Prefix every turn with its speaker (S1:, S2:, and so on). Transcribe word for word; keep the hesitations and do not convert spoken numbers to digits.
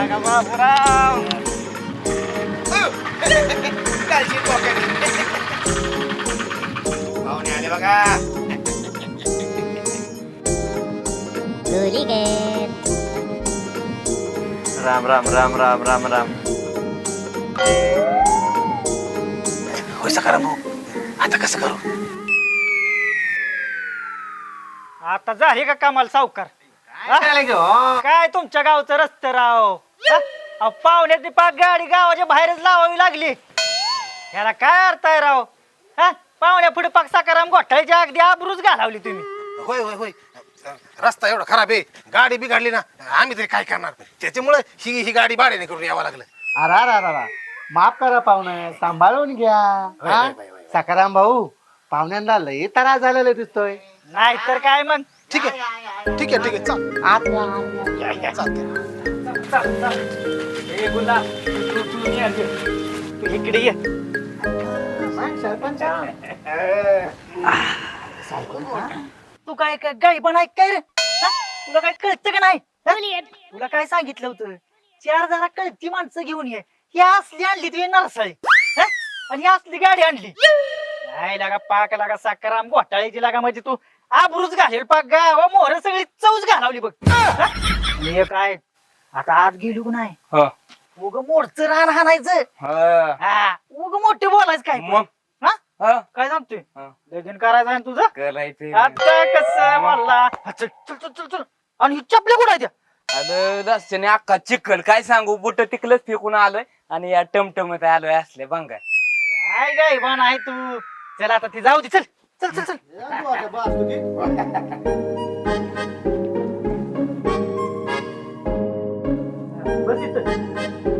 S1: का बाबूराव
S2: कालची पाहुणे आले बघा.
S1: राम राम राम राम राम राम.
S2: होय सकाराम भाऊ, आता कसं करू?
S3: आता झाली का कामाला सावकार?
S2: काय करायला घेऊ?
S3: काय तुमच्या गावचं रस्ते राव हा? अहो, पाहुण्याची पाक गाडी गावाच्या बाहेरच लावावी लागली. याला काय अर्थ आहे राव? हा पाहुण्या पुढे पाक सकाराम घोटाळ्याची अगदी आबरूच घालावली तुम्ही.
S2: होय होय होय, रस्ता एवढा खराब आहे, गाडी बिघडली ना, आम्ही तरी काय करणार? त्याच्यामुळे ही ही गाडी भाड्याने करून यावं लागलं.
S4: अरे अरे अरे माफ करा पाहुणं, सांभाळून घ्या.
S2: होय,
S4: हा?
S2: होय, होय, होय.
S4: सकाराम भाऊ, पाहुण्यांना लई त्रास झालेला दिसतोय.
S3: नाही तर काय मग.
S2: ठीक आहे ठीक आहे ठीक आहे, चल.
S4: आत या, आत या.
S2: या, या, चालतंय.
S3: चल, चल. ए, गुलाब, तू- तू- तू ये, तू इकडे ये.
S4: सरपंच
S3: तू काय काय गाई पण ऐक काय रे हा? तुला काय कळतं का नाही हा? तुला काय सांगितलं होतं? चार जरा कळती माणसं घेऊन ये. ही असली आणली तुझी नरसाळी हा? आणि ही असली गाडी आणली. नाही लागा पाक लागा साखराम घोटाळ्याची लागा म्हणजे तू आबरूच घालेल पाक गावा मोहर सगळी चौच घालावली बघ हा? हे काय आता आत गेलो का नाही उग मोडचं रान हाणायचं हा उग मोठे बोलायचं काय पण. हा काय सांगतोय लगीन करायचं आहे ना तुझं
S5: करायचं
S3: आता कसं मला हा, चल चल चल चल चल आणि ही चपल्या कुठं आहे त्या?
S5: आलं रस्त्याने अख्खा चिखल काय सांगू बुट टिकलंच फेकून आलोय आणि या टमटमत आलोय असले बंगार.
S3: काय गाय पण आहे तू. चल आता ती जाऊ दे चल चल चल चल बस इथं.